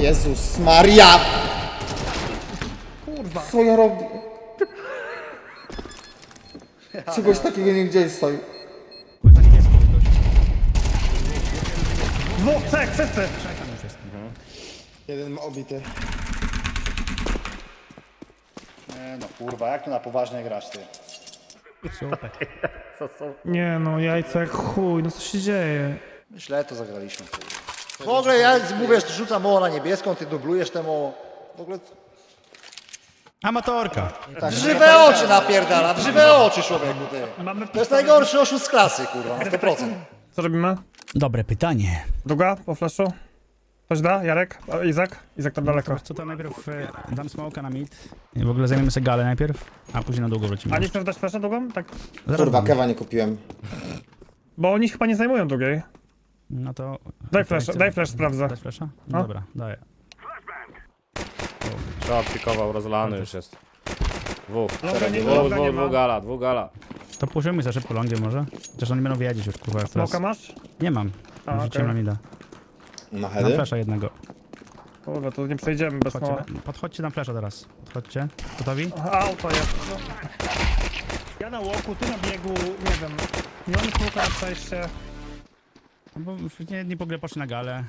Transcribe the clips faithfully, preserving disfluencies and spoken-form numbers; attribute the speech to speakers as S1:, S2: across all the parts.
S1: Jezus Maria!
S2: Kurwa.
S1: Co ja robię? Czegoś takiego nie gdzieś stoi.
S3: Za niebieską ktoś.
S2: Dwóch, trzech, wszyscy.
S3: Czekam już jest.
S1: Jeden ma obity.
S4: Nie no kurwa, jak tu na poważnie grasz ty?
S3: Super.
S2: Nie no, jajca jak chuj, no co się dzieje?
S4: Źle to zagraliśmy. W ogóle ja mówię, że rzucam moło na niebieską, ty dublujesz temu. W ogóle
S3: Amatorka.
S4: tak, w żywe oczy napierdala, w żywe oczy człowieku ty.
S2: Mamy
S4: To jest najgorszy oszust z klasy kurwa, na sto procent.
S2: Co robimy?
S3: Dobre pytanie.
S2: Długa po flashu? Ktoś da? Jarek? A, Izak? Izak tam daleko.
S3: Co to najpierw e, dam smoka na mid. I w ogóle zajmiemy sobie galę najpierw, a później na długo wrócimy.
S2: A nie chcesz dać flasha długą? Tak.
S3: Zaraz
S1: Kurwa,
S3: dam.
S1: kewa nie kupiłem.
S2: Bo oni chyba nie zajmują długiej.
S3: No to...
S2: Daj flash, daj flash, sprawdzę.
S3: Dać flasha? No
S2: No.
S3: dobra, daję.
S5: Trzeba pikował, rozlany już jest. Dwóch.
S2: Longa nie,
S5: Dwóch,
S2: longa nie
S5: dwóch,
S2: ma.
S5: dwóch gala, dwóch gala.
S3: To puszymy za szybko longiem może? Chociaż oni będą wiedzieć już kurwa jak teraz.
S2: Smoka masz?
S3: Nie mam.
S2: A,
S3: Rzuciłem
S2: okej.
S3: na mida.
S1: Na
S3: Mam
S1: heady?
S3: flasha jednego.
S2: Kurwa, to nie przejdziemy bez smoka.
S3: Podchodźcie, podchodźcie na flasha teraz. Podchodźcie. Gotowi?
S2: Auto jest. Ja na łoku, ty na biegu, nie wiem. Nie mam smoka na przejście.
S3: No bo nie, jedni po grę poszli na galę.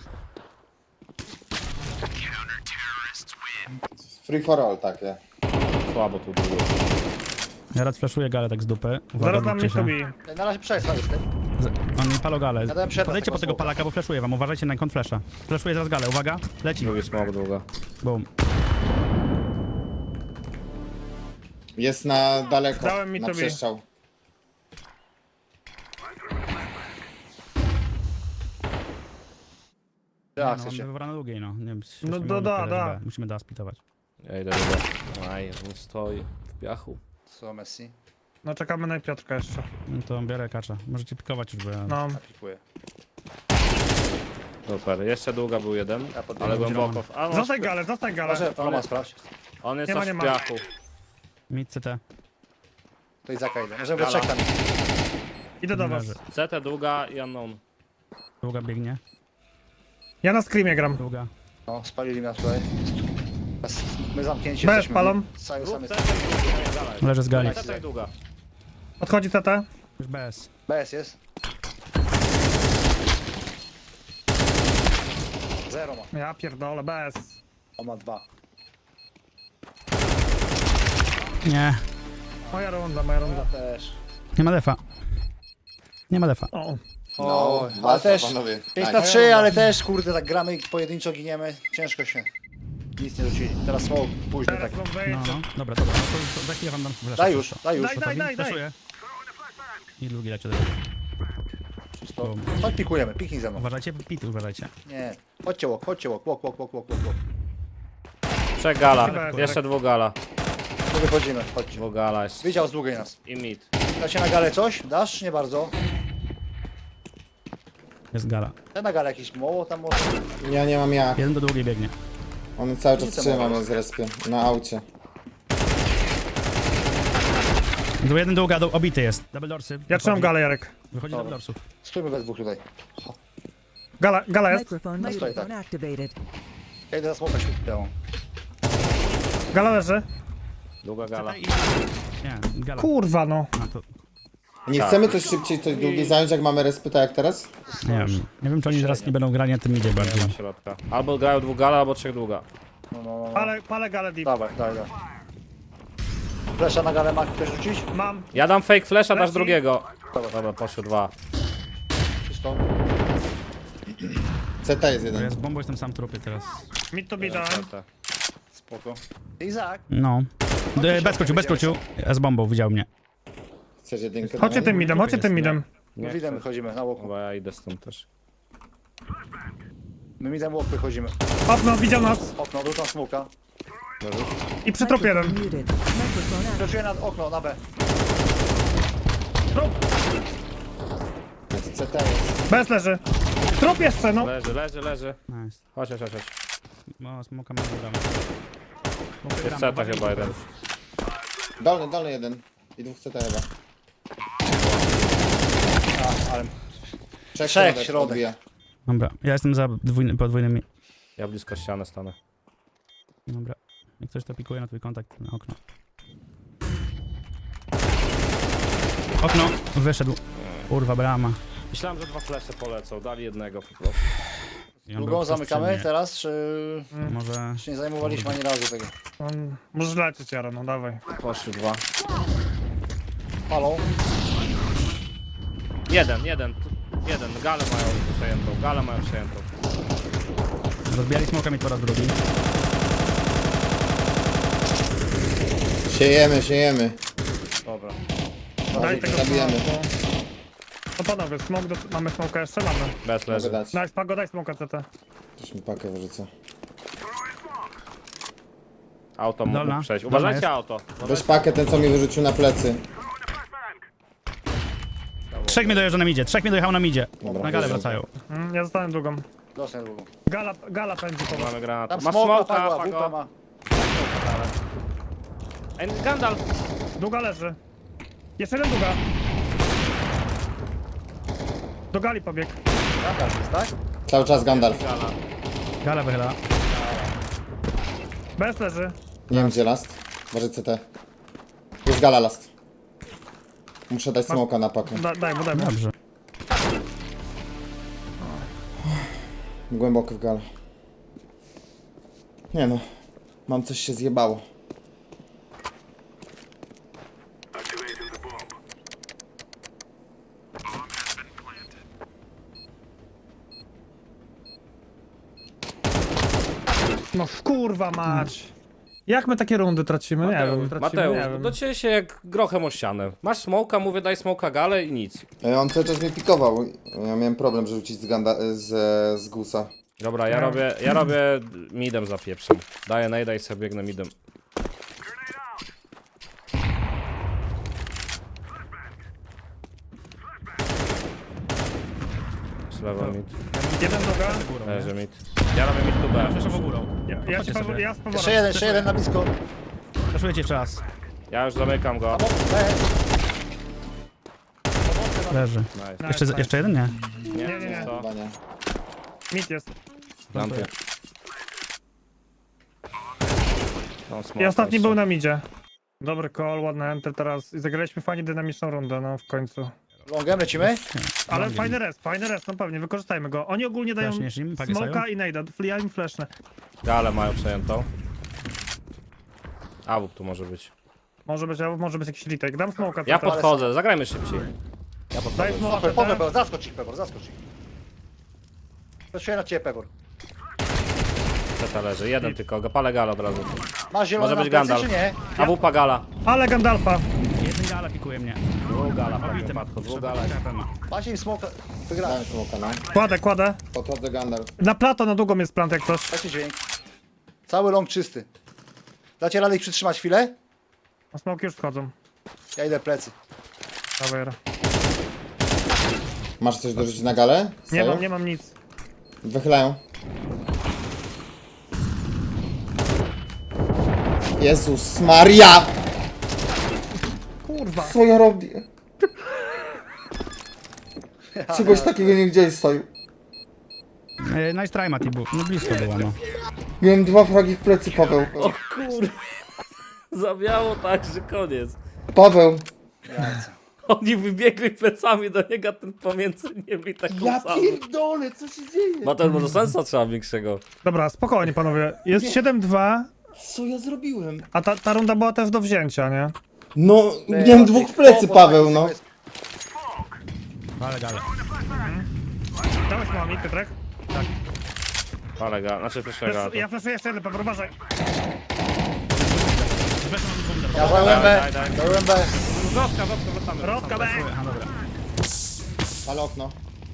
S1: Free for all takie.
S5: Słabo tu było.
S3: Ja raz flashuję galę tak z dupy. Uwaga,
S2: Zaraz nam
S3: bójcie
S2: nie
S3: się.
S2: tubi.
S4: Na razie przestań z tym.
S3: Z- On mi palo galę.
S4: Ja dałem przerwę
S3: Podejdźcie
S4: tego
S3: po tego
S4: smoka.
S3: palaka, bo flashuję wam. Uważajcie na kąt flasha. Flashuję zaraz galę. Uwaga. Leci.
S5: Drugi smok długa.
S3: Boom.
S1: Jest na daleko,
S2: Dałem mi
S1: na
S2: tobie.
S1: przestrzał.
S4: Ja
S3: No,
S4: chcecie.
S3: on wybrano długiej, no. Nie wiem,
S2: No
S3: musimy
S2: da, da,
S3: dać
S2: da.
S3: B. Musimy da spitować.
S5: Ja idę długa. Aj, on stoi w piachu.
S4: Co Messi?
S2: No czekamy na Piotrka jeszcze.
S3: No to biorę kacza. Możecie pikować już, bo ja...
S2: No.
S4: Pikuję.
S5: Super, jeszcze długa był jeden,
S4: Ja podbiegam.
S5: ale głęboko. A, no,
S2: Zostań galę, zostań galę.
S4: Może Roma sprawdź.
S5: on jest
S2: Nie ma,
S5: aż
S2: nie
S5: w
S2: ma.
S5: piachu.
S3: Mid C T.
S4: To Izaka idę. Możemy we
S5: Gala.
S4: trzech tam.
S2: Idę do was.
S3: Leży.
S5: C T długa i unknown.
S3: Długa biegnie.
S2: Ja na screamie gram.
S3: Długa.
S4: No, spalili nas tutaj. My zamknięci
S2: Bez
S4: jesteśmy.
S2: palą.
S4: Cały
S5: Rób
S4: samy.
S5: C T i długa, nie, gala jest.
S3: Leży z gali.
S5: C T i długa.
S2: Odchodzi C T.
S3: Już bez.
S4: B S jest. Zero ma.
S2: Ja pierdolę, bez.
S4: On ma dwa.
S3: Nie.
S2: Moja runda, moja runda.
S4: Ja też.
S3: Nie ma defa. Nie ma defa.
S2: O.
S4: O, ale
S1: walka,
S4: też
S1: panowie.
S4: pięć
S1: Tak.
S4: na trzy, ale też kurde, tak gramy pojedynczo giniemy. Ciężko się. Nic nie rzucili. Teraz smoke później tak.
S2: Teraz wam
S3: No,
S2: wejdzie.
S3: no. Dobra, dobra. No to, to za chwilę wam dam flasha.
S4: Daj już, daj już.
S2: Daj, daj, daj, daj.
S3: Flashuję. I długi leci do
S4: To, chodź pikujemy, piknij ze mną.
S3: Uważajcie, pity uważajcie.
S4: Nie. Chodźcie łok, chodźcie łok, łok, łok, łok, łok, łok. łok.
S5: Trzech gala,
S2: Chyba-
S5: jeszcze dwóch gala.
S4: Tu wychodzimy, chodźcie.
S5: Dwóch gala jeszcze.
S4: Widział z długiej nas.
S5: I mid.
S4: Dacie na galę coś? Dasz? Nie bardzo.
S3: Jest gala.
S4: Ten na galę jakiś moło tam może.
S1: Ja nie mam jak.
S3: Jeden do długiej biegnie.
S1: On cały czas
S4: Nic nie
S1: trzyma
S4: mogę.
S1: mnie z respie. Na aucie.
S3: Do jeden długa, do, obity jest. Double dorsy.
S2: Ja trzymam galę, Jarek.
S3: Wychodzi double dorsów.
S4: Stójmy we dwóch tutaj.
S2: Gala, gala jest.
S6: Microphone,
S4: Let's try
S6: microphone activated.
S4: Ja idę na smoka śpiewą.
S2: Gala leży.
S5: Długa gala.
S3: Nie, gala.
S2: Kurwa no.
S3: A, to,
S1: Nie chcemy coś szybciej, coś długiej zająć, jak mamy respy, tak jak teraz?
S3: nie wiem. Nie wiem, czy oni teraz nie będą grali na tym idzie
S5: Nie
S3: bardziej.
S5: ma środka. Albo grają dwóch gala, albo trzech długa.
S4: No, no, no.
S2: Palę, palę galę deep.
S4: Dawaj, dawaj, dawaj. Flesza na galę ma ktoś rzucić?
S2: Mam.
S5: Ja dam fake flasha, dasz
S2: Leci.
S5: drugiego. Dobra, poszły dwa.
S4: Czysto.
S1: C T jest
S3: Ja
S1: jeden.
S3: z bombą jestem sam trupie teraz.
S2: Mid to be dałem.
S5: C T.
S4: Spoko. Izak.
S3: No. D- Bez kociu, bez kociu. Ja z bombą, widział mnie.
S1: Chcesz jedynkę?
S2: Chodźcie
S1: dawaj?
S2: tym midem, chodźcie tym midem.
S4: My
S5: Nie
S4: widem
S5: chcę.
S4: wychodzimy na łoku.
S5: Chyba ja idę stąd też.
S4: My midem łok wychodzimy.
S2: Okno, widział nas.
S4: Okno, rzucam smoka.
S2: I przy trup jeden.
S6: Muted. Microphone activated.
S4: Wyczuję na okno, na B.
S1: C T jest.
S2: Bez leży. Trup jeszcze, no.
S5: Leży, leży, leży.
S3: Nice.
S5: Chodź, chodź, chodź. chodź.
S3: No, smoka ma damy.
S5: Jest C T chyba jeden.
S1: Dolny, dolny jeden. I dwóch C T chyba.
S4: A, ale
S1: Trzech,
S4: Trzech,
S1: środek
S4: środek.
S1: odbija.
S3: Dobra, ja jestem za dwójny, podwójnymi.
S5: Ja blisko ściany stanę.
S3: Dobra. Jak ktoś to pikuje na twój kontakt, na okno. Okno! Wyszedł. Kurwa, brama.
S5: Myślałem, że dwa flesze polecą, dali jednego po prostu.
S3: I on był
S4: Drugą
S3: tuż
S4: zamykamy
S3: przy mnie.
S4: teraz, czy...
S3: Może...
S4: czy nie zajmowaliśmy ani razu tego?
S2: On... Możesz lecieć, Jaro, no dawaj.
S5: Poszły dwa.
S4: Palą.
S5: Jeden, jeden, tu, jeden. Galę mają przejętą, galę mają przejętą.
S3: Rozbijali smokami po raz drugi.
S1: Siejemy, siejemy.
S5: Dobra.
S2: Daj tego
S1: zabijamy.
S2: smoku. No panowie, smok do... mamy smoka jeszcze? Mamy.
S5: Bez
S1: Mogę
S5: leży.
S1: dać.
S2: Nice, Pago, daj smoka C T.
S1: Też mi pakę wyrzucę.
S5: Auto
S3: Dolna.
S5: mógł przejść.
S3: Dolna
S5: Uważajcie
S3: jest.
S5: auto.
S1: Weź pakę, ten co mi wyrzucił na plecy.
S3: Trzech mnie dojeżdża na midzie, trzech mnie dojechał na midzie.
S1: Dobra,
S3: Na galę
S1: wjeżdżam.
S3: wracają.
S2: Mm, ja zostałem drugą.
S4: Dostań drugą.
S2: Gala, gala pędzi po was.
S5: Mamy granat.
S4: Tam
S5: Masz
S4: smoka,
S5: smoka,
S4: padła,
S5: Pago.
S4: wupa ma.
S5: Ej, Gandalf.
S2: Długa leży. Jeszcze jeden długa. Do gali pobiegł.
S4: Jaka jest, tak?
S1: Cały czas Gandalf.
S5: Gala.
S3: Gala wychyla.
S2: Bez leży.
S1: Nie wiem gdzie last. Może C T. Jest gala last. Muszę dać smoka na pakę.
S2: Da, daj mu, daj mu.
S3: Dobrze.
S1: Głęboko w galę. Nie no. Mam coś się zjebało.
S2: No kurwa mać. Jak my takie rundy tracimy? Nie wiem. Tracimy,
S5: Mateusz,
S2: nie wiem.
S5: do ciebie się jak grochem o ścianę. Masz smoka, mówię daj smoka galę i nic.
S1: E, On cały czas mnie pikował. Ja miałem problem, żeby rzucić z, ganda, z, z gusa.
S5: Dobra, ja
S2: No.
S5: robię, ja robię midem za pieprzem. Daję najda i sobie biegnę midem. Z lewa mid.
S2: Jeden długa.
S5: Leży mid. Ja robię mid tu B.
S3: Przeszło górą.
S2: Ja, ja,
S3: Chodźcie
S2: ci
S3: sobie.
S2: powiem, ja z powrotem.
S4: Jeszcze jeden, jeszcze jeden na blisko.
S3: Przeszuję cię jeszcze raz.
S5: Ja już zamykam go.
S4: B.
S3: Leży.
S5: Nice.
S3: Jeszcze,
S2: nice.
S3: jeszcze jeden? Nie.
S5: Nie,
S2: nie, nie, nie.
S5: To.
S1: Chyba nie.
S2: Mit jest.
S5: Plantuję. Tą smoka
S2: I ostatni
S5: jeszcze.
S2: był na midzie. Dobry call, ładny enter teraz. I zagraliśmy fajnie dynamiczną rundę, no w końcu.
S4: Longem lecimy?
S2: Ale
S3: Longiem.
S2: fajny rest, fajny rest, no pewnie, wykorzystajmy go. Oni ogólnie dają
S3: Flashniesz im? Pagi
S2: smoka
S3: sają?
S2: i nejda, ja im flashnę.
S5: Galę mają przejętą. Awuk tu może być.
S2: Może być, może być jakiś retake. Dam smoka.
S5: Ja
S2: C T.
S5: podchodzę, zagrajmy szybciej. Ja
S2: Daj
S5: podchodzę.
S2: smoka.
S4: Pepor,
S2: C
S4: po
S2: T.
S4: Pepor, zaskocz ich Pepor, zaskocz ich. Patrzyłem na ciebie Pepor.
S5: Teta leży, jeden tylko, palę galę od razu.
S4: Masz zielone
S5: Może
S4: na
S5: być
S4: plecy,
S5: Gandalf.
S4: czy nie?
S5: A wupa gala.
S2: Ale Gandalfa.
S3: Jeden gala pikuje mnie.
S5: Dwóch gala,
S3: Obity
S5: pewnie
S3: ma.
S5: padł, dwóch gala.
S4: Macie im smoka. Wygrałem.
S1: Dałem smoka, no.
S2: Kładę, kładę.
S1: Podchodzę Gandalf.
S2: Na plato, na długą jest plant jak coś.
S4: Dajcie dźwięk. Cały long czysty. Dacie radę ich przytrzymać chwilę?
S2: A smoki już wchodzą.
S4: Ja idę plecy.
S2: Dawaj, Jaro.
S1: Masz coś dorzucić na galę?
S2: Nie
S1: Sajo?
S2: mam, nie mam nic.
S1: Wychylają. Jezus Maria!
S2: Kurwa.
S1: Co ja robię? Czegoś takiego nie widziałeś, Saju.
S3: E, nice try, Mati, był. No blisko było, no.
S1: Miałem dwa fragi w plecy, Paweł.
S5: O kur... Zawiało tak, że koniec.
S1: Paweł.
S5: Oni wybiegli plecami do niego, a ten pomiędzy nimi taką
S1: Ja
S5: samą.
S1: pierdolę, co się dzieje?
S5: Ma ten może sensa trzeba większego.
S2: Dobra, spokojnie panowie. Jest siedem dwa,
S1: Co ja zrobiłem?
S2: a ta, ta runda była też do wzięcia, nie?
S1: No, miałem dwóch w plecy, Paweł, no.
S3: Ale gale.
S2: Dałeś mami, Piotrek?
S5: Palę gala, znaczy proszę gala.
S2: Ja flashuję jeszcze jeden, Paweł, uważaj.
S4: Ja zająłem B.
S5: Daj, daj, daj.
S4: Zająłem B.
S5: Wrzotka, wrzotka, wracamy.
S2: Rodka B.
S3: Aha, dobra.
S1: Ale okno.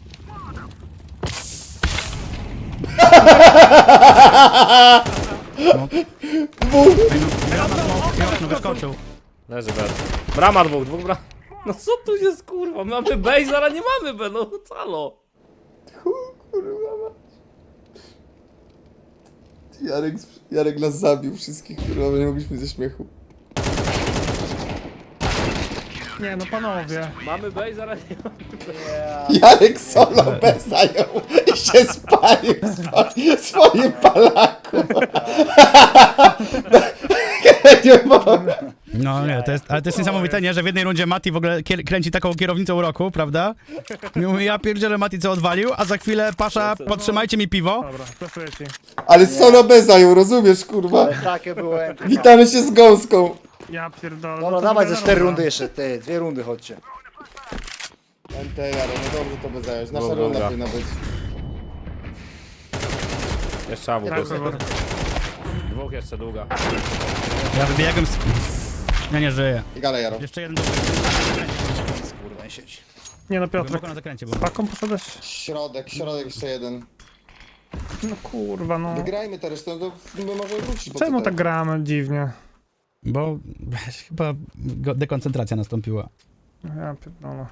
S3: No wyskoczył.
S5: Leży bez. Brama dwóch, dwóch bram. No co tu jest kurwa? Mamy B i zaraz nie mamy B, no calo.
S1: Jarek, Jarek nas zabił wszystkich, kurwa, nie mogliśmy ze śmiechu.
S2: Nie no panowie.
S5: Mamy B i zaraz nie mamy.
S1: Jarek solo B zajął się spalił swo- swoim palaku. Nie mogę.
S3: No nie, to jest, ale to jest niesamowite, nie? Że w jednej rundzie Mati w ogóle kier kręci taką kierownicą roku, prawda? I mówi, ja pierdzielę Mati co odwalił, a za chwilę Pasza, podtrzymajcie mi piwo.
S2: Dobra, flashuję ci.
S1: Ale solo bez zajął, rozumiesz, kurwa?
S4: Ale takie było M T K.
S1: Witamy się z gąską.
S2: Ja pierdolę.
S4: Dobra,
S2: no to
S4: dawaj ze
S2: wygrana
S4: cztery
S2: runda.
S4: rundy jeszcze, ty, dwie rundy chodźcie.
S1: M T J, ale no dobrze to by zająć. Nasza
S5: Dobra.
S1: runda powinna być.
S5: Jeszcze awu.
S2: Tak, Pewor.
S5: Dwóch jeszcze długa.
S3: Ja wybiegłem z... Ja nie żyję.
S1: I gala Jaro.
S3: Jeszcze jeden do...
S4: Kurwa, nie siedzi.
S2: Nie no, Piotrek.
S3: Głęboko na zakręcie był.
S2: Paką poszedłeś?
S1: Środek, środek jeszcze jeden.
S2: No kurwa, no.
S1: Wygrajmy to resztę, to my możemy wrócić. bo
S2: Czemu
S1: co
S2: tak gramy dziwnie?
S3: Bo chyba go- dekoncentracja nastąpiła.
S2: Ja pierdolę.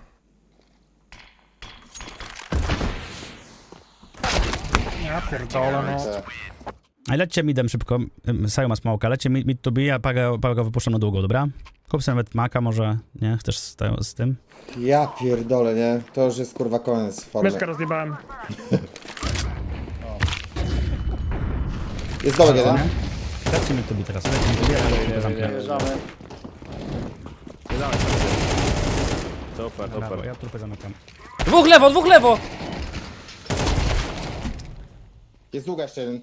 S2: Ja pierdolę, no.
S1: Te-
S3: A lećcie midem szybko, Ym, Sajo ma smoka, lećcie mid, mid to be, a Paga, Paga wypuszczam na długo, dobra? Kup sobie nawet maka może, nie? Chcesz z, te- z tym?
S1: Ja pierdolę, nie? To już jest kurwa koniec formy.
S2: Myszkę rozjebałem.
S1: Jest dołek jeden.
S3: Nie? Lećcie mid to be teraz, lećcie mid to be, ja
S5: nie,
S3: to zamknę.
S5: nie.
S4: Wjeżdżamy.
S5: Super,
S3: Brawo,
S5: super.
S3: ja trupę zamykam.
S5: Dwóch lewo, dwóch lewo!
S1: Jest długa jeszcze jeden.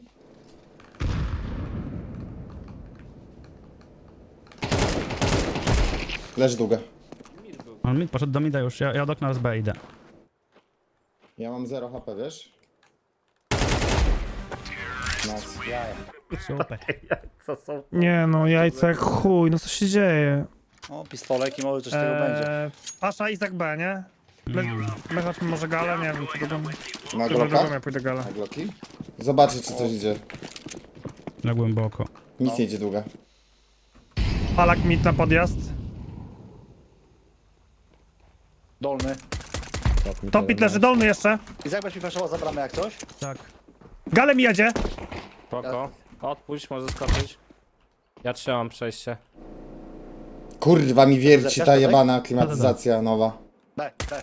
S1: Leży długa.
S3: On mid poszedł do mida już, ja, ja od okna z B idę.
S1: Ja mam zero H P, wiesz? Nice.
S3: Super.
S5: Co są?
S2: Nie no, jajca jak chuj, no co się dzieje?
S4: O, pistolek i może coś z tego będzie.
S2: Eee, Pasza, Izak B, nie? My, my chodźmy może galę, nie wiem, czy to będę.
S1: Na
S2: Chyba
S1: glokach?
S2: drugą ja pójdę galę.
S1: Na gloki? Zobaczę, czy coś idzie.
S3: Na głęboko.
S1: Nic nie idzie długa.
S2: Palak mit na podjazd.
S4: Dolny.
S2: Topit leży dolny jeszcze.
S4: I jak mi flashował za bramę jak coś?
S3: Tak.
S2: Gale mi jedzie.
S5: Spoko. Odpuść, może skoczyć. Ja trzymam przejście.
S1: Kurwa mi wierci
S4: Zerkasz
S1: ta
S4: tutaj?
S1: jebana klimatyzacja nowa.
S4: B, B.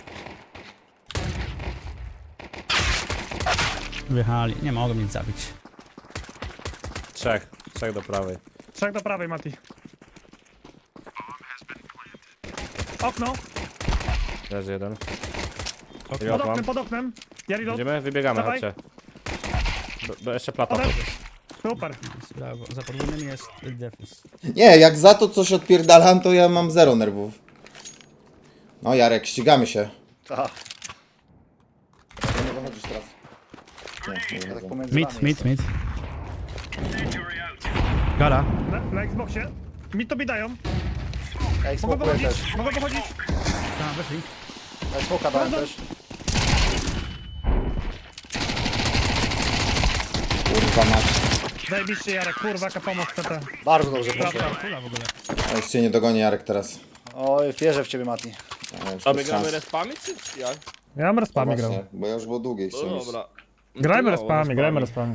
S3: Wjechali, nie mogą nic zabić.
S5: Trzech. Trzech do prawej.
S2: Trzech do prawej, Mati. Okno.
S5: Leży jeden.
S2: Pod
S5: Reload
S2: oknem,
S5: mam.
S2: pod oknem. Ja reload.
S5: Idziemy? Wybiegamy,
S2: Dawaj.
S5: chodźcie. B- b- jeszcze plata.
S2: Ode- Super.
S3: Brawo, za podwójnym jest defus.
S1: Nie, jak za to coś odpierdalam, to ja mam zero nerwów. No Jarek, ścigamy się.
S4: Tak,
S1: Nie wychodzisz teraz. Nie, nie
S4: ja tak
S1: wychodzę.
S4: pomiędzy
S3: Mid,
S4: nami
S3: mid,
S4: jestem.
S3: mid. Gala.
S2: Na, na Xboxie. Mi to dają.
S4: Ej,
S2: Mogę
S4: smokuję
S2: wychodzić,
S4: też.
S2: mogę wychodzić.
S3: Tam, wyszli.
S4: Ej, smoka dałem też.
S1: Kurwa mać.
S2: Zajebiście Jarek, kurwa, jaka pomoc C T.
S4: Bardzo dobrze poszło.
S2: Prawda.
S3: Fula w ogóle.
S1: Ja już cię nie dogoni Jarek teraz.
S4: Oj, wierzę w ciebie, Mati.
S1: Ja już
S5: A
S1: bez
S5: my gramy
S1: szans.
S5: respami, czy jak?
S2: Ja mam respami grał.
S1: Właśnie, bo ja już było długiej
S5: No
S1: chciałem iść.
S5: dobra.
S2: Grajmy
S5: No,
S2: respami, grajmy respami.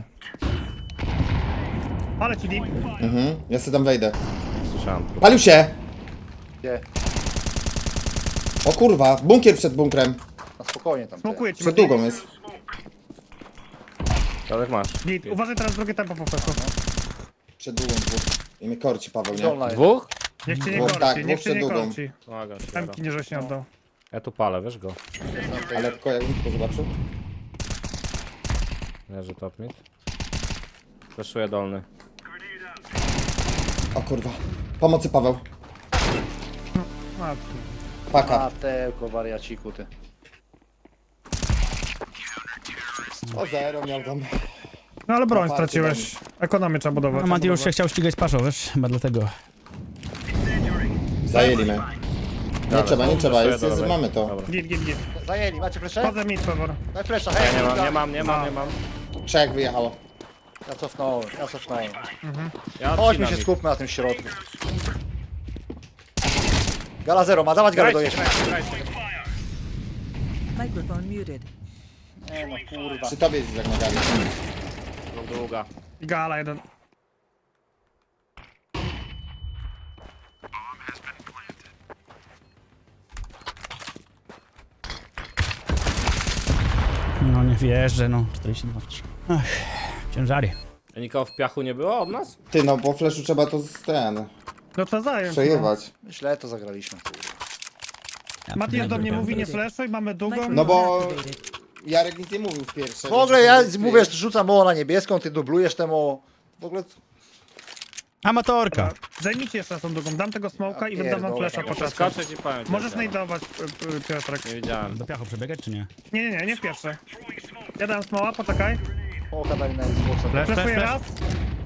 S2: Ale ci deep.
S1: Mhm, ja sobie tam wejdę.
S5: Słyszałem.
S1: Palił się!
S4: Gdzie?
S1: O kurwa, bunkier przed bunkrem.
S4: Na spokojnie tam. ty.
S2: Smokuję ci,
S1: Przed
S2: Mati.
S1: długą jest.
S5: Tadek masz.
S2: Git. Uważaj teraz drugie tempo po feku.
S1: Przed długą dwóch. I mnie korci Paweł, nie?
S4: Dolna jest.
S5: Dwóch?
S2: Niech cię nie
S1: Dwóch,
S2: korci,
S1: tak,
S2: niech
S1: dwóch
S2: cię nie
S1: przed długą.
S2: korci.
S5: Pomagam się.
S2: Temki nie żeś nie oddał.
S5: Ja tu palę, wiesz go.
S1: Ale tylko jakbym tylko zobaczył.
S5: Leży top mid. Fleszuję dolny.
S1: O kurwa. Pomocy Paweł.
S2: Matki.
S1: Paka.
S4: Matełko, wariaciku, ty.
S1: O zero miał tam.
S2: No ale broń
S1: Party
S2: straciłeś. Ekonomię trzeba budować.
S3: No Mati już się chciał ścigać z Paszą, wiesz? Chyba dlatego.
S1: Zajęli mnie. Nie trzeba, nie trzeba, jest,
S5: do
S1: jest,
S5: lewej.
S1: mamy to.
S5: Dobra.
S2: Git, git, git.
S4: Zajęli, macie flesze?
S2: Chodzę mid, Pewor.
S4: Daj flesza,
S5: Ja
S4: hej!
S5: nie mam,
S4: ja-
S5: nie mam, nie mam, nie mam.
S1: Trzech wyjechało.
S4: Ja cofnąłem, ja cofnąłem.
S5: Ja
S4: Chodźmy
S5: odcinam
S4: się
S5: ich.
S4: skupmy na tym środku. Gala zero, ma dawać galę do
S5: Grajcie,
S4: jeszcze.
S5: grajcie, grajcie.
S6: Microphone muted.
S4: Nie no, kurwa.
S1: Przy tobie jest jak na gali.
S5: Dwóch długa.
S2: I gala jeden.
S3: No nie. Wjeżdżę, no. czterdzieści dwa. Ach, ciężary.
S5: A nikogo w piachu nie było od nas?
S1: Ty, no po flashu trzeba to z ten...
S2: No to zająć.
S1: Przejewać.
S4: Źle to zagraliśmy, kurwa.
S2: No. Mati do mnie mówi nie flashuj, mamy długą.
S1: No bo... Jarek nic nie mówił w pierwszej.
S4: W ogóle ja mówię, że rzucam moło na niebieską, ty dublujesz temu. W ogóle...
S3: Amatorka.
S2: Zajmijcie jeszcze raz tą długą, dam tego smoka
S4: Ja
S2: i wydam wam
S4: pierdolę,
S2: flasha po
S5: Muszę
S2: czasie.
S5: skoczyć i powiem.
S2: Możesz
S5: nie
S2: najdować, y, y, Piotrek.
S5: Nie wiedziałem.
S3: Do piachu przebiegać, czy nie?
S2: Nie, nie, nie, nie w pierwsze. Ja dam smoła, poczekaj.
S4: Mołoka dali na Xboxa.
S3: Flash, flash,
S2: Flashuję raz.
S3: flash.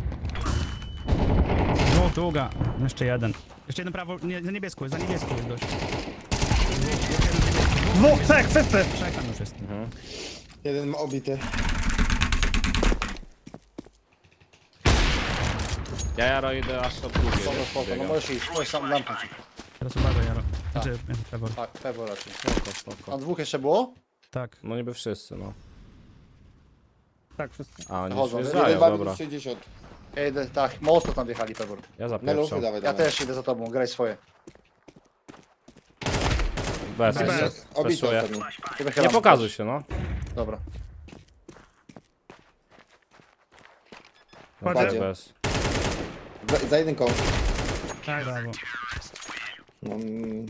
S3: Dwóch, długa. Jeszcze jeden. Jeszcze jeden prawo, nie, za niebieską, za niebieską jest gość.
S2: Dwóch, trzech, wszyscy.
S3: Trzech tam już jest.
S1: Jeden obity.
S5: Ja Jaro idę aż od drugiej.
S4: Spoko, spoko, no możesz iść, możesz sam lampać.
S3: Teraz uważaj, Jaro. Znaczy, Trevor.
S4: Tak, pewno raczej.
S5: Spoko, spoko.
S4: A dwóch jeszcze było?
S3: Tak.
S5: No niby wszyscy, no.
S2: Tak, wszyscy.
S5: A oni już
S4: Chodzą.
S5: wjeżdżają,
S1: Jeden bawi
S5: dobra.
S1: sześćdziesiąt.
S4: Ja idę, tak, mocno tam wjechali pewor.
S5: Ja
S1: Meluchy,
S5: zapieprzam.
S1: dawaj,
S4: Ja
S1: dawaj.
S4: też idę za tobą, graj swoje.
S5: Bez,
S2: Bez.
S5: bez.
S1: Obity
S5: Flashuję.
S1: ostatni.
S4: Ty
S5: Nie
S4: wychylam.
S5: pokazuj się, no.
S4: Dobra.
S2: Kładzie.
S1: Kładzie.
S5: Bez.
S1: Za, za jeden koło.
S2: Tak,
S3: Brawo.
S1: No, mm.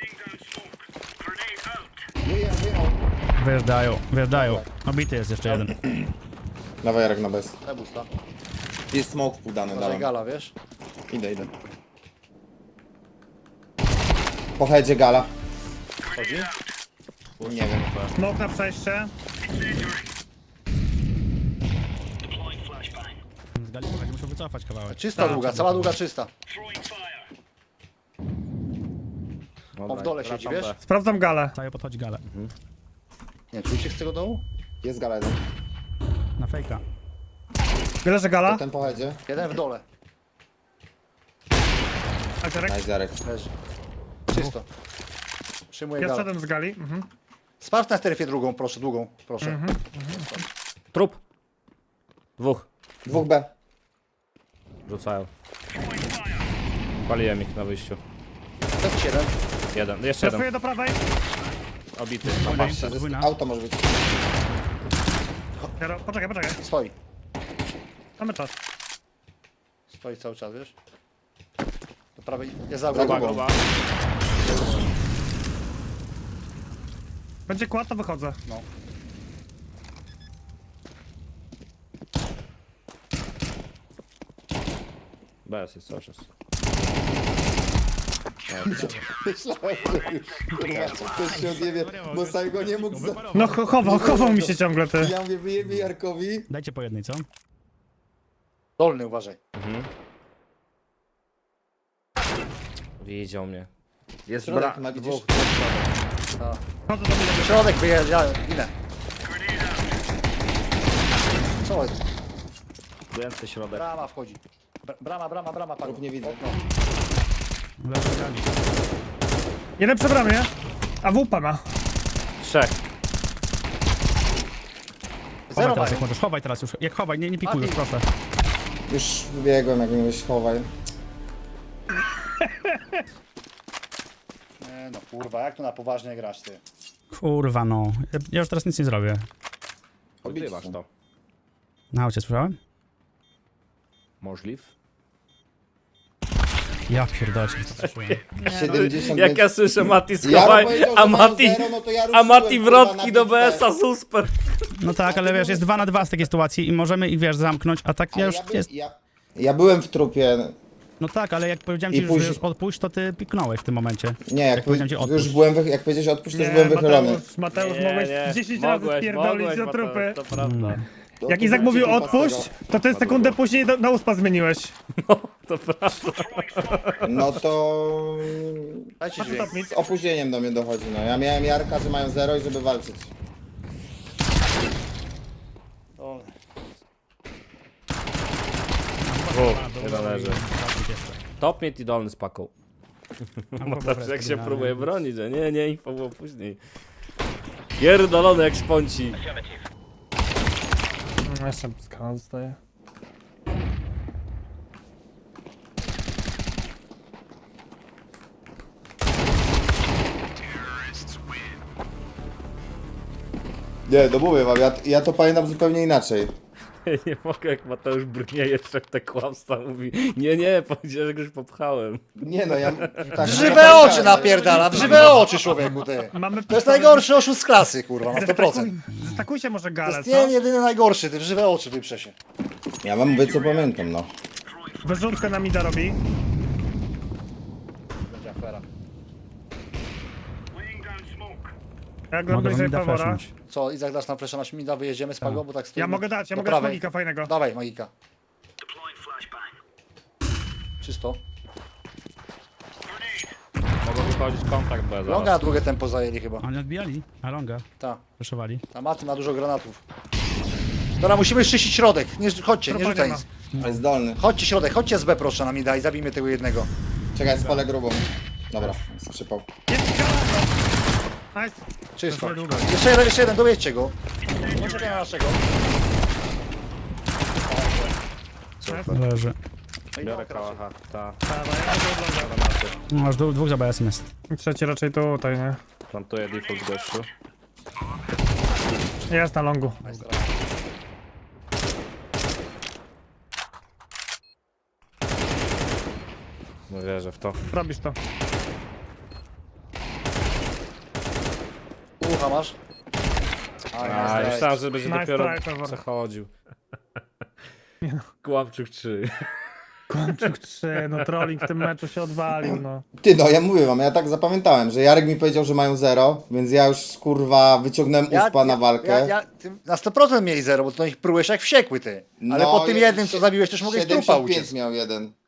S1: Wyjechał, wyjechał.
S3: Wyjeżdżają, wyjeżdżają. Obity jest jeszcze jeden.
S1: Dawaj Jarek na bez.
S4: Daj busta.
S1: Jest smoke podany,
S4: Może
S1: dawaj.
S4: gala, wiesz?
S1: Idę, idę. Po headzie gala.
S4: Chodzi?
S1: Nie wiem.
S2: Smok na przejście.
S3: Z gali pochodzi, muszę wycofać kawałek.
S4: Czysta
S2: Tak,
S4: długa, cała długa czysta.
S5: Dobra,
S4: On w dole siedzi,
S5: wracam
S4: wiesz?
S5: B.
S2: Sprawdzam galę.
S3: Cały podchodzi galę.
S4: Nie, czujcie z tego dołu?
S1: Jest gala jeden.
S3: Na fejka.
S2: Leży gala.
S1: Ten po headzie.
S4: Jeden w dole.
S2: Azerek.
S1: Nice Jarek.
S4: Leży. Czysto. Przyjmuję
S2: Ja
S4: galę.
S2: szedłem z gali. Mhm.
S4: Sprawdź na strefie drugą, proszę, długą, proszę.
S5: Trup. Dwóch.
S1: Dwóch B.
S5: Rzucają. Paliłem ich na wyjściu.
S4: F siedem.
S5: Jeden. Jeszcze jeden.
S2: Flashuję do prawej.
S5: Obity.
S1: Patrzcie, zysk-
S3: Dwójna.
S1: auto może być.
S2: Jaro, poczekaj, poczekaj.
S4: Stoi.
S2: Mamy czas.
S4: Stoi cały czas, wiesz? Do prawej. Jest za
S1: Za
S4: drugą.
S1: drugą.
S5: Gruba.
S2: Będzie kład, to wychodzę.
S4: No.
S5: Bez jest cały czas.
S1: Myślałem, że już, kurwa, czy ktoś się odjebie, bo sam go nie mógł za...
S2: No cho- chował, chował mi się ciągle, ty.
S1: Ja mówię, wyjebie Jarkowi.
S3: Dajcie po jednej, co?
S4: Dolny, uważaj.
S5: Widział mnie. Jest
S1: Środek
S5: bra...
S1: ma, widzisz?
S2: Chodzę do mnie.
S4: Środek wyjeżdża, inne. Co jest?
S5: Więcej środek.
S4: Brama wchodzi. Br- Brama, brama, brama, padł.
S1: Lub nie widzę.
S4: Okno.
S3: Leży w gali.
S2: Jeden przy bramie. A W P ma.
S5: Trzech.
S3: Chowaj
S4: Zero
S3: teraz,
S4: mają.
S3: jak możesz. Chowaj teraz już. Jak chowaj, nie, nie pikuj już,
S4: Mati.
S3: proszę.
S1: Już biegłem, jak mówisz, chowaj.
S4: Nie no kurwa, jak tu na poważnie grasz ty?
S3: Kurwa, no. Ja, ja już teraz nic nie zrobię.
S5: Odgrywasz to.
S3: Na aucie słyszałem?
S5: Możliw.
S3: Ja pierdolę, się wystraszyłem.
S1: siedemdziesiąt
S5: Jak ja słyszę Mati
S1: Jaro
S5: schowaj,
S1: powiedział, że
S5: a
S1: mają
S5: Mati...
S1: zero, no to ja
S5: A
S1: ruszyłem,
S5: Mati
S1: kurwa,
S5: wrotki
S1: na
S5: do
S1: bitwę.
S5: B S a super.
S3: No tak, ale wiesz, jest dwa na dwa z takiej sytuacji i możemy ich, wiesz, zamknąć, a tak
S1: Ale
S3: ja już
S1: ja, by,
S3: jest...
S1: ja, ja byłem w trupie.
S3: No tak, ale jak powiedziałem
S1: I
S3: ci, że
S1: później-
S3: już odpuść, to ty piknąłeś w tym momencie.
S1: Nie, jak,
S3: Jak powiedziałem ci
S1: już
S3: odpuść.
S1: byłem, wy, jak powiedziałeś odpuść, to już
S2: Nie,
S1: byłem wychylony.
S2: Mateusz, Mateusz,
S5: Nie,
S2: mogłeś
S5: nie.
S2: dziesięć razy
S5: Mogłeś,
S2: spierdolić
S5: mogłeś,
S2: do
S5: Mateusz,
S2: trupy.
S5: To prawda.
S1: To-
S2: Jak
S1: to
S2: Izak
S1: będzie
S2: mówił
S1: kupa z
S2: odpuść,
S1: tego.
S2: to ty sekundę później do, na uspa zmieniłeś.
S5: To prawda.
S1: No to...
S4: Dajcie
S2: Patrz,
S4: dźwięk.
S2: top mid.
S1: Z opóźnieniem do mnie dochodzi, no. Ja miałem Jarka, że mają zero i żeby walczyć.
S4: O,
S5: Dwóch. Nie należy. Top mid i dolny z paką.
S3: Albo
S5: Też
S3: po
S5: jak się
S3: prostu,
S5: próbuje
S3: nie?
S5: bronić, że nie, nie, info było później. Pierdolony jak szponci.
S2: No, jeszcze skala zostaje.
S1: Nie, no mówię wam, ja, ja to pamiętam zupełnie inaczej.
S5: Nie mogę, jak Mateusz brnieje, trzech te kłamstwa mówi. Nie, nie, powiedział, że go już popchałem.
S1: Nie no, ja... Tak,
S4: W żywe oczy napierdala, w żywe oczy, człowieku, ty.
S2: Mamy
S4: To jest najgorszy oszust z klasy, kurwa, na sto procent.
S2: Zestakuj, zestakujcie może
S4: To
S2: galę,
S4: jest
S2: co?
S4: nie, jedyny najgorszy, ty w żywe oczy wyprze się.
S1: Ja wam mówię co pamiętam, no.
S2: Wyrzutkę na mida robi.
S4: Będzie afera.
S2: Jak gram
S3: Mogę wam
S2: bliżej
S3: mida
S2: Pawora.
S3: flashnąć.
S4: Co, Izak, dasz nam flesza na śmida, wyjedziemy z Pago, bo tak stoimy.
S2: Ja mogę dać, ja
S4: Do
S2: mogę dać
S4: prawej.
S2: magika fajnego.
S4: Dawaj, magika. Czysto.
S5: Mogą wychodzić kontakt B
S4: Longa
S5: zaraz.
S4: na drugie tempo zajęli chyba.
S3: Oni odbijali, a longa,
S4: Ta.
S3: proszowali.
S4: Ta Maty ma dużo granatów. Dobra, musimy czyścić środek. Nie, chodźcie, nie
S2: Trupa
S4: rzucaj
S2: nie ma.
S4: nic.
S1: Ale zdolny.
S4: Chodźcie środek, chodźcie z B proszę na mida i zabijmy tego jednego.
S1: Czekaj, spalę grubą. Dobra, skrzypał.
S2: Nice.
S4: Czysto.
S2: To jest niedługo.
S4: Jeszcze jeden, jeszcze jeden, dowiedźcie go. Poczekaj na naszego.
S3: Leży.
S5: Biorę kałacha, ta.
S2: Dawaj, ja będę oglądał.
S5: Granaty.
S3: No, aż dwóch, dwóch za B S M jest.
S2: Trzeci raczej tutaj, nie?
S5: Plantuję default gościu.
S2: Jest na longu.
S5: No wierzę w to.
S2: Robisz to.
S4: Ucha masz? A,
S5: A,
S4: nice,
S5: myślałem, że będzie
S2: Nice
S5: dopiero
S2: try, Trevor.
S5: przechodził. Kłamczyk trzy.
S2: Kłamczyk trzy, no trolling w tym meczu się odwalił, no.
S1: Ty no, ja mówię wam, ja tak zapamiętałem, że Jarek mi powiedział, że mają zero, więc ja już kurwa wyciągnąłem uspa na walkę.
S4: Ja, ja, ty na sto procent mieli zero, bo to ich prułeś jak wściekły ty. Ale
S1: No,
S4: po tym
S1: je-
S4: jednym co zabiłeś też mogłeś trupa
S1: siedemdziesiąt pięć
S4: uciec.
S1: miał jeden.